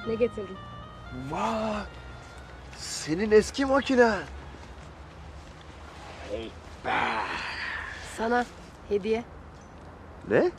Ne getirdin? Vay! Senin eski makine. Hey be! Sana hediye. Ne?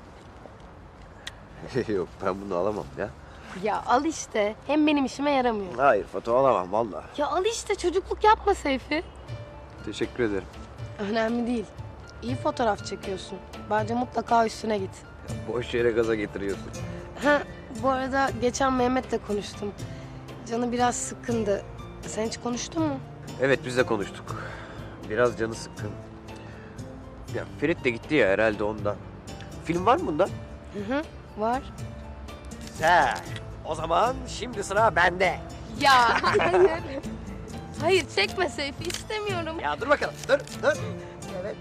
Yok, ben bunu alamam ya. Ya al işte. Hem benim işime yaramıyor. Hayır, foto alamam vallahi. Ya al işte, çocukluk yapma Seyfi. Teşekkür ederim. Önemli değil. İyi fotoğraf çekiyorsun. Bence mutlaka üstüne git. Boş yere gaza getiriyorsun. Ha, bu arada geçen Mehmet'le konuştum. Canı biraz sıkkındı. Sen hiç konuştun mu? Evet, biz de konuştuk. Biraz canı sıkkın. Ya Ferit de gitti ya, herhalde ondan. Film var mı bunda? Hı hı, var. Güzel. O zaman şimdi sıra bende. Ya hayır. Hayır, çekme Seyfi, istemiyorum. Ya dur bakalım, dur. Evet.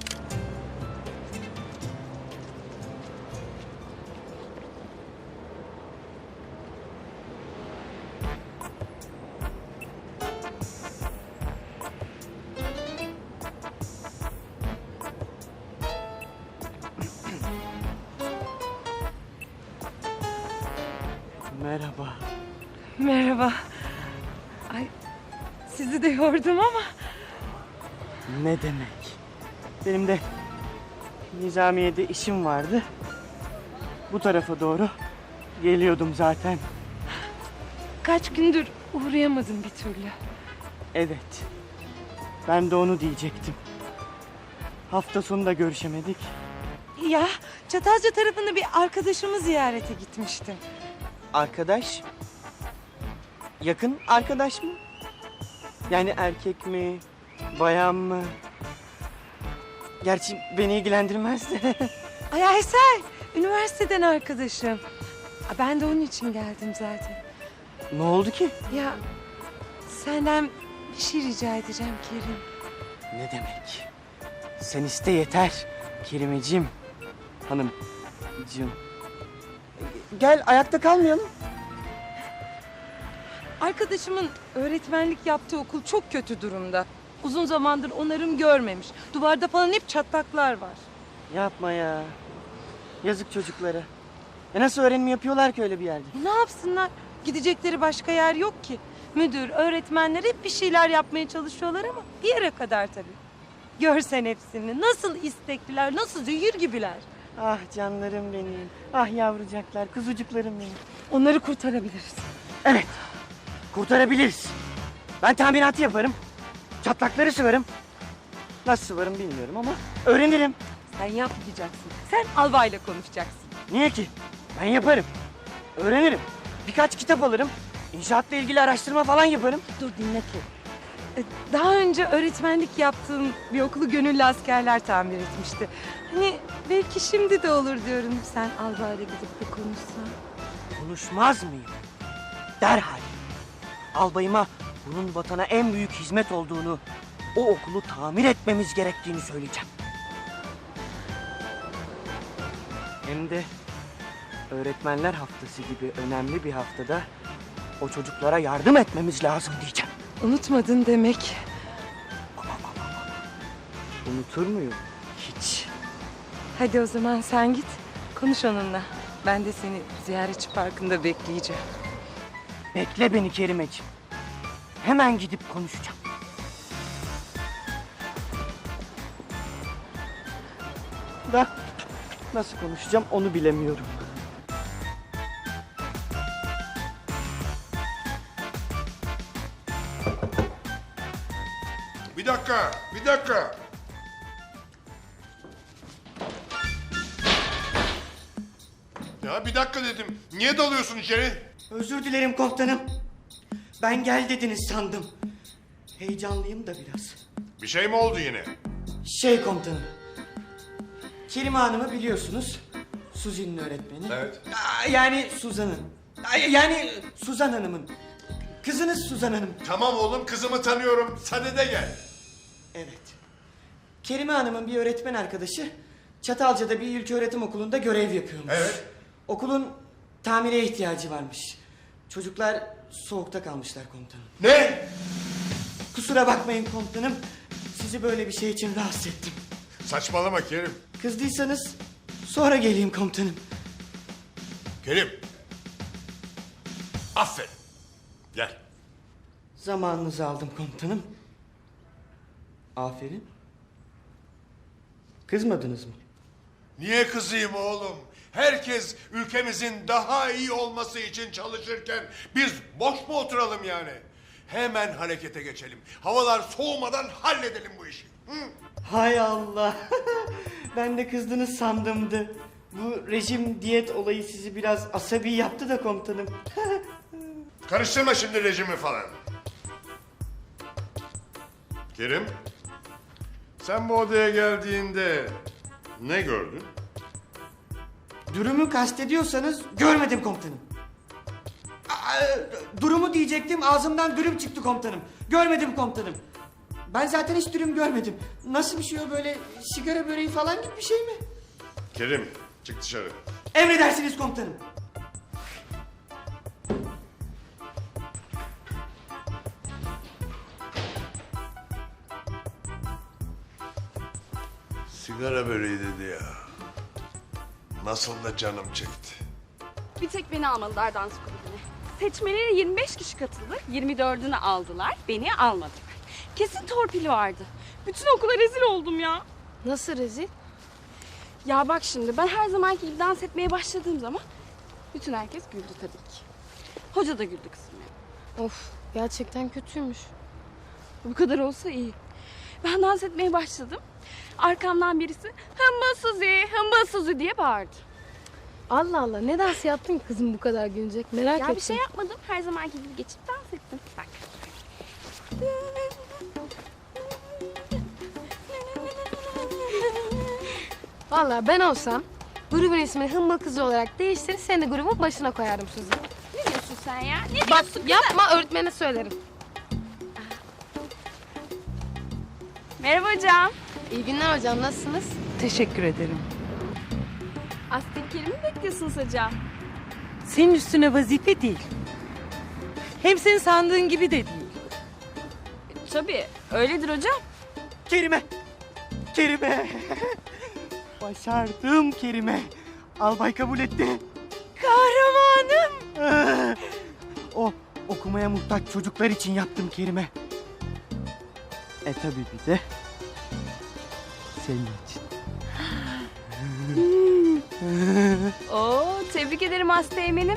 Merhaba. Merhaba. Ay, sizi de yordum ama. Ne demek? Benim de Nizamiye'de işim vardı. Bu tarafa doğru geliyordum zaten. Kaç gündür uğrayamadım bir türlü. Evet. Ben de onu diyecektim. Hafta sonu da görüşemedik. Ya, Çatalca tarafında bir arkadaşımı ziyarete gitmiştim. Arkadaş? Yakın arkadaş mı? Yani erkek mi? Bayan mı? Gerçi beni ilgilendirmez de. Ay Aysel, üniversiteden arkadaşım. Ben de onun için geldim zaten. Ne oldu ki? Ya, senden bir şey rica edeceğim Kerim. Ne demek? Sen iste yeter Kerimeciğim. Hanımcığım. Gel ayakta kalmayalım. Arkadaşımın öğretmenlik yaptığı okul çok kötü durumda. Uzun zamandır onarım görmemiş. Duvarda falan hep çatlaklar var. Yapma ya. Yazık çocuklara. Nasıl öğrenim yapıyorlar ki öyle bir yerde? Ne yapsınlar? Gidecekleri başka yer yok ki. Müdür, öğretmenler hep bir şeyler yapmaya çalışıyorlar ama bir yere kadar tabii. Görsen hepsini. Nasıl istekliler, nasıl zehir gibiler. Ah canlarım benim. Ah yavrucaklar, kuzucuklarım benim. Onları kurtarabiliriz. Evet. Kurtarabiliriz. Ben tahminatı yaparım. Çatlakları sıvarım. Nasıl sıvarım bilmiyorum ama öğrenirim. Sen yapmayacaksın. Sen albayla konuşacaksın. Niye ki? Ben yaparım. Öğrenirim. Birkaç kitap alırım. İnşaatla ilgili araştırma falan yaparım. Dur dinle ki. Daha önce öğretmenlik yaptığım bir okulu gönüllü askerler tamir etmişti. Hani belki şimdi de olur diyorum. Sen albayla gidip bir konuşsan. Konuşmaz mıyım? Derhal. Albayıma bunun vatana en büyük hizmet olduğunu, o okulu tamir etmemiz gerektiğini söyleyeceğim. Hem de öğretmenler haftası gibi önemli bir haftada o çocuklara yardım etmemiz lazım diyeceğim. Unutmadın demek. Unutur muyum? Hiç. Hadi o zaman sen git. Konuş onunla. Ben de seni ziyaretçi parkında bekleyeceğim. Bekle beni Kerimeciğim. Hemen gidip konuşacağım. Da nasıl konuşacağım onu bilemiyorum. Bir dakika, bir dakika. Ya bir dakika dedim. Niye dalıyorsun içeri? Özür dilerim komutanım. Ben gel dediniz sandım. Heyecanlıyım da biraz. Bir şey mi oldu yine? Komutanım. Kerime Hanım'ı biliyorsunuz. Suzi'nin öğretmeni. Evet. Yani Suzan'ın. Yani Suzan Hanım'ın. Kızınız Suzan Hanım. Tamam oğlum, kızımı tanıyorum. Sadede gel. Evet. Kerime Hanım'ın bir öğretmen arkadaşı Çatalca'da bir ilköğretim okulunda görev yapıyormuş. Evet. Okulun tamire ihtiyacı varmış. Çocuklar soğukta kalmışlar komutanım. Ne? Kusura bakmayın komutanım. Sizi böyle bir şey için rahatsız ettim. Saçmalama Kerim. Kızdıysanız sonra geleyim komutanım. Kerim. Aferin. Gel. Zamanınızı aldım komutanım. Aferin. Kızmadınız mı? Niye kızayım oğlum? Herkes ülkemizin daha iyi olması için çalışırken biz boş mu oturalım yani? Hemen harekete geçelim. Havalar soğumadan halledelim bu işi. Hı? Hay Allah. Ben de kızdınız sandımdı. Bu rejim diyet olayı sizi biraz asabi yaptı da komutanım. Karıştırma şimdi rejimi falan. Kerim, sen bu odaya geldiğinde ne gördün? Durumu kastediyorsanız görmedim komutanım. Durumu diyecektim, ağzımdan dürüm çıktı komutanım. Görmedim komutanım. Ben zaten hiç dürüm görmedim. Nasıl bir şey o, böyle sigara böreği falan gibi bir şey mi? Kerim, çık dışarı. Emredersiniz komutanım. Sigara böreği dedi ya. Nasıl da canım çekti. Bir tek beni almadılar dans kulübüne. Seçmelere 25 kişi katıldı. 24'ünü aldılar. Beni almadılar. Kesin torpil vardı. Bütün okula rezil oldum ya. Nasıl rezil? Ya bak şimdi ben her zamanki gibi dans etmeye başladığım zaman bütün herkes güldü tabii ki. Hoca da güldü kızım ya. Of, gerçekten kötüymüş. Bu kadar olsa iyi. Ben dans etmeye başladım. Arkamdan birisi hımbıl Suzi, hımbıl Suzi diye bağırdı. Allah Allah, ne dans yaptın ki kızım bu kadar gülecek? Merak Ya ettim. bir şey yapmadım. Her zamanki gibi geçip dans ettim. Bak. Vallahi ben olsam grubun ismini Hımbıl Kızı olarak değiştirir, seni de grubun başına koyardım Suzi. Ne diyorsun sen ya? Ne Bak diyorsun kızım? yapma, öğretmene söylerim. Merhaba hocam. İyi günler hocam, nasılsınız? Teşekkür ederim. Asteklerimi mi bekliyorsunuz hocam? Senin üstüne vazife değil. Hem senin sandığın gibi de değil. Tabii öyledir hocam. Kerime! Kerime! Başardım Kerime. Albay kabul etti. Kahramanım! O okumaya muhtaç çocuklar için yaptım Kerime. Tabii bir de senin için. Oo, tebrik ederim Asteğmen'im.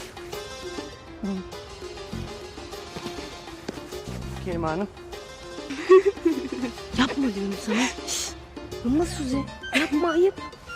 Kerime Hanım. Yapma diyorum sana. Şşş, Hımbıl Suzi, yapma, ayıp.